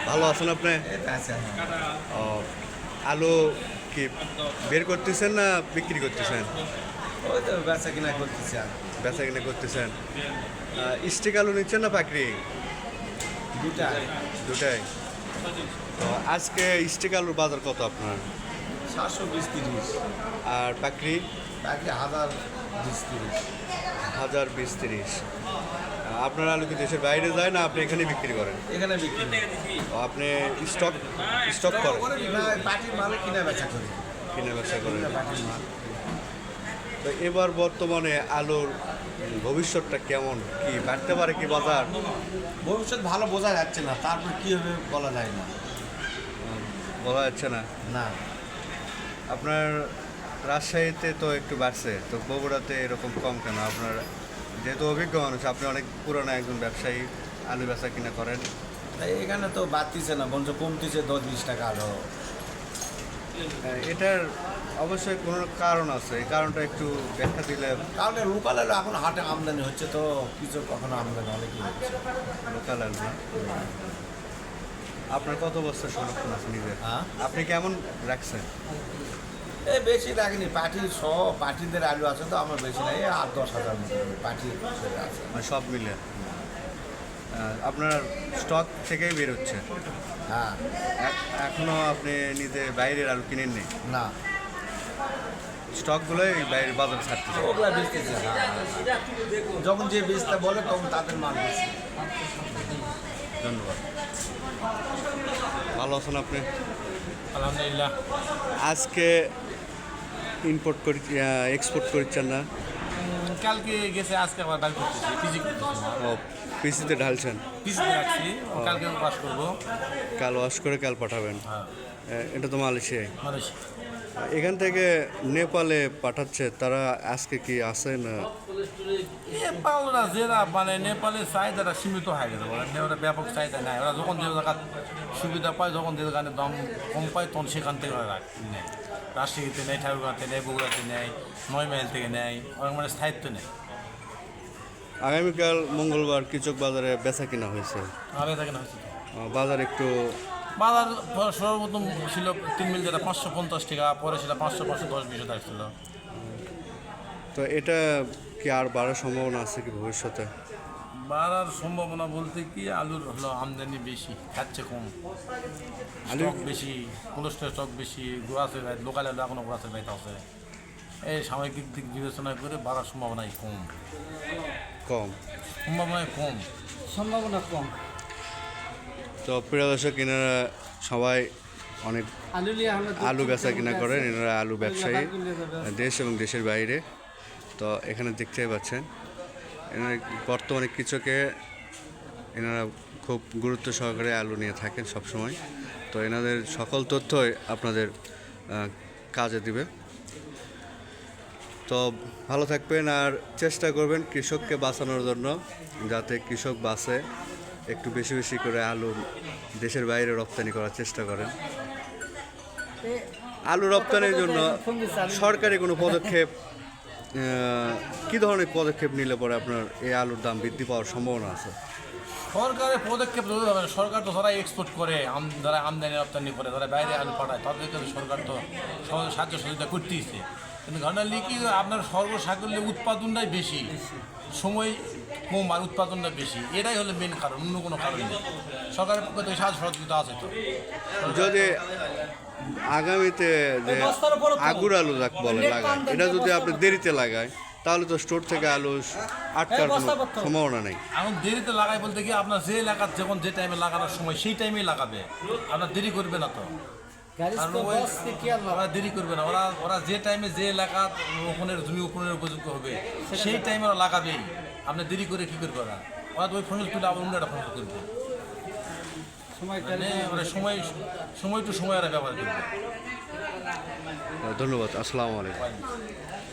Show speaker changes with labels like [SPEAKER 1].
[SPEAKER 1] ভালো আছেন আপনি? ও, আলু কি বের করতেছেন না বিক্রি করতেছেন?
[SPEAKER 2] ওই তো বেচা কিনা করতেছি আর
[SPEAKER 1] বেচা কিনে করতেছেন। স্টিক আলু নিচ্ছেন না পাকড়ি?
[SPEAKER 2] দুটা
[SPEAKER 1] দুটাই। তো আজকে স্টিক আলুর বাজার কত আপনার?
[SPEAKER 2] 720-30
[SPEAKER 1] আর পাকড়ি?
[SPEAKER 2] বাকি 1020-30
[SPEAKER 1] 1020-30। আপনার আলু কি দেশের বাইরে যায় না আপনি এখানে বিক্রি করেন?
[SPEAKER 2] এখানে বিক্রি
[SPEAKER 1] ও, আপনি স্টক স্টক করেন?
[SPEAKER 2] না পাটির মাল কিনা বেচা করি
[SPEAKER 1] কিনে ব্যবসা করেন?
[SPEAKER 2] পাটির মাল
[SPEAKER 1] তো এবার বর্তমানে আলুর ভবিষ্যৎটা কেমন, কি বাড়তে পারে কি বাজার?
[SPEAKER 2] ভবিষ্যৎ ভালো বোঝা যাচ্ছে না, তারপর কি হবে বলা যায় না।
[SPEAKER 1] বলা যাচ্ছে না।
[SPEAKER 2] না
[SPEAKER 1] আপনার রাজশাহীতে তো একটু বাড়ছে, তো বগুড়াতে এরকম কম কেন? আপনার যেহেতু অভিজ্ঞ মানুষ, আপনি অনেক পুরনো একজন ব্যবসায়ী, আলু বেচা কিনা করেন।
[SPEAKER 2] তাই এখানে তো বাড়তিছে না, বঞ্চ কমতিছে 10-20 টাকা আরো।
[SPEAKER 1] এটার অবশ্যই কোনো কারণ আছে, এই কারণটা একটু ব্যাখ্যা দিলে।
[SPEAKER 2] কারণ লোকাল আলু এখন হাটে আমদানি হচ্ছে, তো কিছু কখনো আমদানি অনেকই হচ্ছে।
[SPEAKER 1] লোকাল আলু না? আপনার কত বস্তা সংরক্ষণ আছে নিজের?
[SPEAKER 2] হ্যাঁ
[SPEAKER 1] আপনি কেমন রাখছেন?
[SPEAKER 2] এই বেশি রাখিনি, পাটির সহ পাটিদের আলু আছে তো আমার বেশি নাই, 8-10 হাজার মতো পাটি আছে।
[SPEAKER 1] মানে সব মিলে আপনার স্টক থেকেই বের হচ্ছে?
[SPEAKER 2] হ্যাঁ
[SPEAKER 1] এখনো আপনি নিজে বাইরের আলু কিনেননি?
[SPEAKER 2] না
[SPEAKER 1] স্টকগুলোই বাইরের বাজারে ছাড়তেছে?
[SPEAKER 2] ওগুলা বেচতেছে যখন যে বেচতে বলে তখন তাদের মাল বেশি।
[SPEAKER 1] ধন্যবাদ। ভালো আছেন আপনি?
[SPEAKER 3] আলহামদুলিল্লাহ।
[SPEAKER 1] আজকে ইম্পোর্ট করি এক্সপোর্ট করছেন না?
[SPEAKER 3] কালকে গেছে, আজকে আবার বাইর করতেছি, পিজি করতেছি না,
[SPEAKER 1] ও, পিসিতে ঢালছেন?
[SPEAKER 3] পিজি রাখছি, কালকে পাস করবো।
[SPEAKER 1] কাল ওয়াশ করে কাল পাঠাবেন?
[SPEAKER 3] হ্যাঁ,
[SPEAKER 1] এটা তো মালয়েশিয়ায়।
[SPEAKER 3] মানুষ
[SPEAKER 1] এখান থেকে নেপালে পাঠাচ্ছে তারা, আজকে কি আসে না?
[SPEAKER 3] নেপালরা যেরা মানে নেপালের চাহিদাটা সীমিত হয়ে গেছে, ওরা ব্যাপক চাহিদা নাই। ওরা যখন যে জায়গা সুবিধা পায়, যখন যে জায়গায় দাম কম পায়, তখন সেখান থেকে ওরা নেয়। রাজশাহীতে নেয়, ঠাকুরগাঁতে নেয়, বগুড়াতে নেয়, 9 মাইল থেকে নেয়, ওরা মানে স্থায়িত্ব নেয়।
[SPEAKER 1] আগামীকাল মঙ্গলবার কৃষক বাজারে বেচা কিনা হয়েছে।
[SPEAKER 3] আগে থাকে না হয়েছে
[SPEAKER 1] বাজার একটু
[SPEAKER 3] বাজার সর্বপ্রথম ছিল 3 মিল, যেটা 550 টাকা, পরে সেটা 500-510 আসছিল।
[SPEAKER 1] তো এটা কি আর বাড়ার সম্ভাবনা আছে কি ভবিষ্যতে?
[SPEAKER 3] বাড়ার সম্ভাবনা বলতে কি, আলুর হলো আমদানি বেশি, খাচ্ছে কম, স্টক বেশি, কোলেস্ট্রল স্টক বেশি, গোড়াছে ভাই, লোকাল আলু এখনো গোড়াছে ভাই আছে। এই সাময়িক দিক বিবেচনা করে বাড়ার সম্ভাবনাই কম।
[SPEAKER 1] কম?
[SPEAKER 3] সম্ভাবনায় কম,
[SPEAKER 4] সম্ভাবনা কম।
[SPEAKER 1] তো প্রিয় দর্শক, এনারা সবাই অনেক আলু বেচা কিনা করেন, এনারা আলু ব্যবসায়ী, দেশ এবং দেশের বাইরে। তো এখানে দেখতেই পাচ্ছেন এনারা বর্তমানে কৃষকে এনারা খুব গুরুত্ব সহকারে আলু নিয়ে থাকেন সবসময়। তো এনাদের সকল তথ্যই আপনাদের কাজে দিবে। তো ভালো থাকবেন আর চেষ্টা করবেন কৃষককে বাঁচানোর জন্য, যাতে কৃষক বাঁচে। একটু বেশি বেশি করে আলু দেশের বাইরে রপ্তানি করার চেষ্টা করেন। আলু রপ্তানির জন্য সরকারি কোনো পদক্ষেপ, কী ধরনের পদক্ষেপ নিলে পরে আপনার এই আলুর দাম বৃদ্ধি পাওয়ার সম্ভাবনা আছে?
[SPEAKER 3] সরকারের পদক্ষেপ জরুরি হবে না। সরকার তো যারা এক্সপোর্ট করে, যারা আমদানি রপ্তানি করে, যারা বাইরে আলু পাঠায়, তাদেরকে তো সরকার তো সাহায্য সহযোগিতা করতেইছে। কিন্তু ঘটনালি কি, আপনার সর্বসাকল্যে উৎপাদনটাই বেশি, সময় কম আর উৎপাদনটা বেশি, এটাই হলো মেন কারণ, অন্য কোনো কারণ নেই। সরকারের পক্ষে তো সাহায্য সহযোগিতা আছে। তো
[SPEAKER 1] যদি আগামীতে যে আগুর আলু যাকে বলে লাগায়, এটা যদি আপনি দেরিতে লাগায়, তাহলে তো স্টোর থেকে আলু আটকার কোনো সম্ভাবনা নেই।
[SPEAKER 3] এখন দেরিতে লাগাই বলতে কি, আপনার যে এলাকার যখন যে টাইমে লাগানোর সময় সেই টাইমেই লাগাবে, আপনার দেরি করবে না। তো ওরা দেরি করবে না, ওরা যে টাইমে যে এলাকা ওখানের জমি ওখানের উপযুক্ত হবে সেই টাইমে ওরা লাগাবেই। আপনার দেরি করে কী করবে ওরা তো ওই ফসল তুলে আবার অন্য একটা ফসল করবে, মানে ওরা সময় টু সময় ওরা ব্যবহার করবে।
[SPEAKER 1] ধন্যবাদ। আসসালামু আলাইকুম।